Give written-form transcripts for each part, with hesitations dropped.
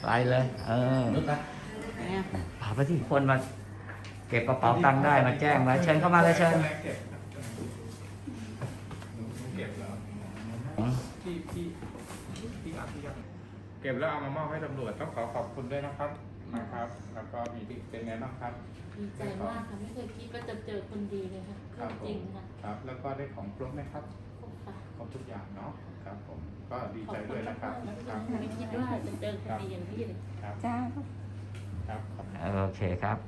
ไปเลยพาไปที่คนมาเก็บกระเป๋าตังค์ได้มาแจ้งมาเชิญเข้ามาเลยเชิญเก็บแล้วเอามามอบให้ตำรวจต้องขอบคุณด้วยนะครับแล้วก็มีเป็นไงบ้างครับดีใจมากค่ะไม่เคยคิดว่าจะเจอคนดีเลยค่ะจริงค่ะครับแล้วก็ได้ของครบไหมครับครบทุกอย่างเนาะครับผมก็ดีใจด้วยนะครับไม่คิดว่าจะเจอคนดีอย่างนี้เลยจ้าครับโอเคครับ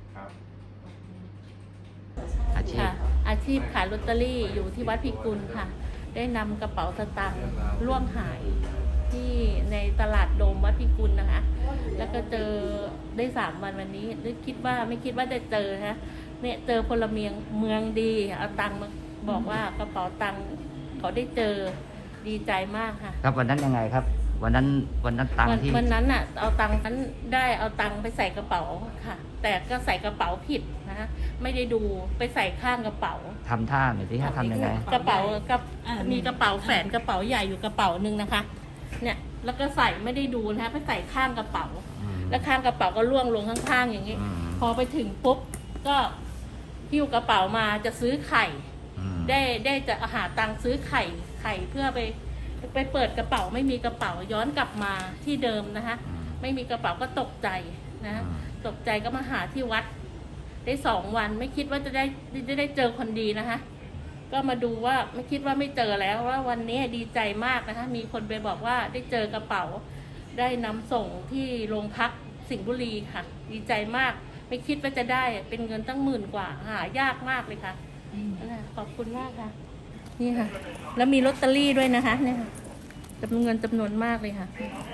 อาชีพขายลอตเตอรี่อยู่ที่วัดพิกุลค่ะได้นำกระเป๋าสตางค์ล่วงหายที่ในตลาดโดมวัดพิกุลนะคะแล้วก็เจอได้3 วันวันนี้หรือไม่คิดว่าจะเจอนะเนี่ยเจอพลเมืองดีเอาตังค์มาบอกว่ากระเป๋าตังค์เขาได้เจอดีใจมากค่ะครับวันนั้นยังไงครับวันนั้นตังค์ที่วันนั้นอ่ะเอาตังค์นั้นได้เอาตังค์ไปใส่กระเป๋าค่ะแต่ก็ใส่กระเป๋าผิดนะไม่ได้ดูไปใส่ข้างกระเป๋าทำท่าหน่อยที่ทำยังไงกระเป๋ากับมีกระเป๋าแฝนกระเป๋าใหญ่อยู่กระเป๋านึงนะคะเนี่ยแล้วก็ใส่ไม่ได้ดูนะคะไปใส่ข้างกระเป๋าแล้วข้างกระเป๋าก็ล่วงลงข้างๆอย่างนี้พอไปถึงปุ๊บก็หิ้วกระเป๋ามาจะซื้อไข่ได้จะหาตังค์ซื้อไข่เพื่อไปเปิดกระเป๋าไม่มีกระเป๋าย้อนกลับมาที่เดิมนะคะไม่มีกระเป๋าก็ตกใจนะตกใจก็มาหาที่วัดได้2 วันไม่คิดว่าจะได้เจอคนดีนะคะก็มาดูว่าไม่คิดว่าไม่เจอแล้วว่าวันนี้ดีใจมากนะคะมีคนไปบอกว่าได้เจอกระเป๋าได้นำส่งที่โรงพักสิงห์บุรีค่ะดีใจมากไม่คิดว่าจะได้เป็นเงินตั้ง10,000 กว่าหายากมากเลยค่ะขอบคุณมากค่ะนี่ค่ะแล้วมีลอตเตอรี่ด้วยนะคะเนี่ยค่ะเงินจำนวนมากเลยค่ะ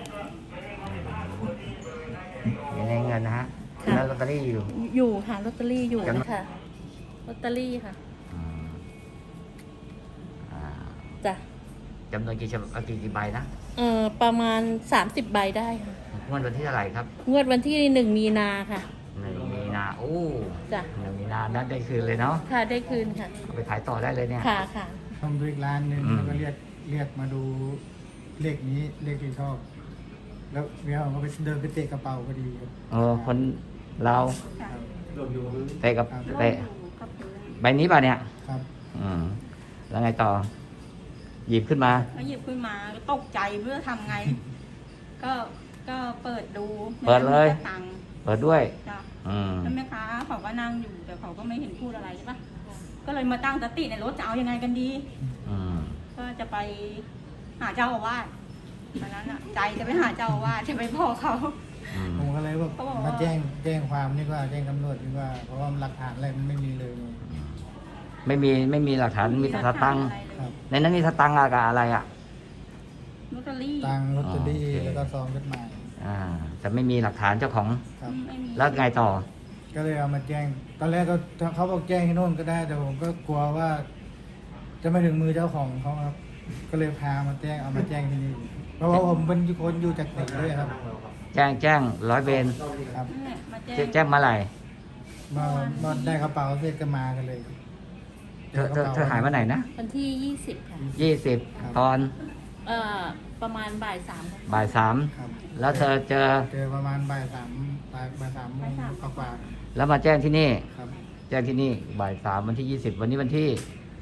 อยู่ในเงินนะฮะแล้วลอตเตอรี่อยู่ค่ะลอตเตอรี่อยู่ค่ะลอตเตอรี่ค่ะจ้ะจำนวนกี่ใบนะประมาณ30 ใบได้ค่ะงวดวันที่เท่าไหร่ครับงวดวันที่1 มีนาค่ะ 1 มีนาโอ้จ้ะ 1 มีนานั้นได้คืนเลยเนาะค่ะได้คืนค่ะเอาไปขายต่อได้เลยเนี่ยค่ะทำด้วยร้านหนึ่งแล้วก็เรียกมาดูเลขนี้เลขที่ชอบแล้วเขาก็ไปเดินไปเตะกระเป๋าพอดีคนเราเตะกับเตะใบนี้ป่ะเนี่ยครับแล้วไงต่อหยิบขึ้นมาก็ตกใจเพื่อทำไงก็เปิดดูเปิดเลยเปิดด้วยแล้วแม่ค้าเขาก็นั่งอยู่แต่เขาก็ไม่เห็นพูดอะไรใช่ปะก็เลยมาตั้งสติในรถจะเอายังไงกันดีก็จะไปหาเจ้าอาวาสตอนนั้นอ่ะใจจะไปหาเจ้าอาวาสจะไปพ่อเขาผมก็เลยว่ามาแจ้งความนี่ว่าแจ้งตำรวจนี่ว่าเพราะว่าหลักฐานอะไรมันไม่มีเลยไม่มีหลักฐานมีแต่สตังค์ในนั้นมีสตังค์กับอะไรอ่ะลอตเตอรี่ลอตเตอรี่แล้วก็ซองจดหมายแต่ไม่มีหลักฐานเจ้าของแล้วไงต่อก็เลยเอามาแจ้งตอนแรกก็เขาบอกแจ้งที่โน่นก็ได้แต่ผมก็กลัวว่าจะไม่ถึงมือเจ้าของเขาครับก็เลยพามาแจ้งเอามาแจ้งที่นี่เพราะว่าผมเป็นคนอยู่จากไหนด้วยครับแจ้ง100 เวรครับแจ้งมาไหร่มาได้กระเป๋าเสร็จก็มากันเลยเธอหายมาไหนนะวันที่20ค่ะ 20ตอนประมาณบ่าย 3แล้วเธอเจอประมาณบ่าย 3 โมงกว่าแล้วมาแจ้งที่นี่แจ้งที่นี่บ่าย 3วันที่20วันนี้วันที่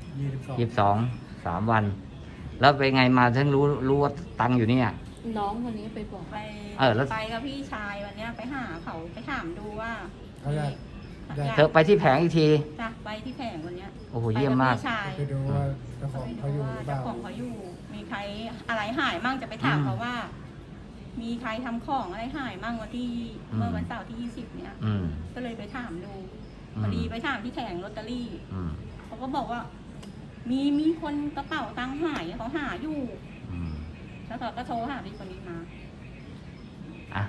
22 3 วันแล้วไปไงมาถึงรู้ว่าตังอยู่นี่น้องคนนี้ไปบอกไปกับพี่ชายวันนี้ไปหาเขาไปถามดูว่าเธอไปที่แผงอีกทีจ้ะไปที่แผงวันนี้โอ้โหเยี่ยมมากไปดูว่าเจ้าของเขาอยู่เจ้าของเขาอยู่มีใครอะไรหายมั่งจะไปถามเขาว่ามีใครทำของอะไรหายมั่งเมื่อวันเสาร์ที่20เนี่ยก็เลยไปถามดูพอดีไปถามที่แผงลอตเตอรี่เขาก็บอกว่ามีคนกระเป๋าตังค์หายเขาหาอยู่แล้วเขาก็โทรหาพี่คนนี้มา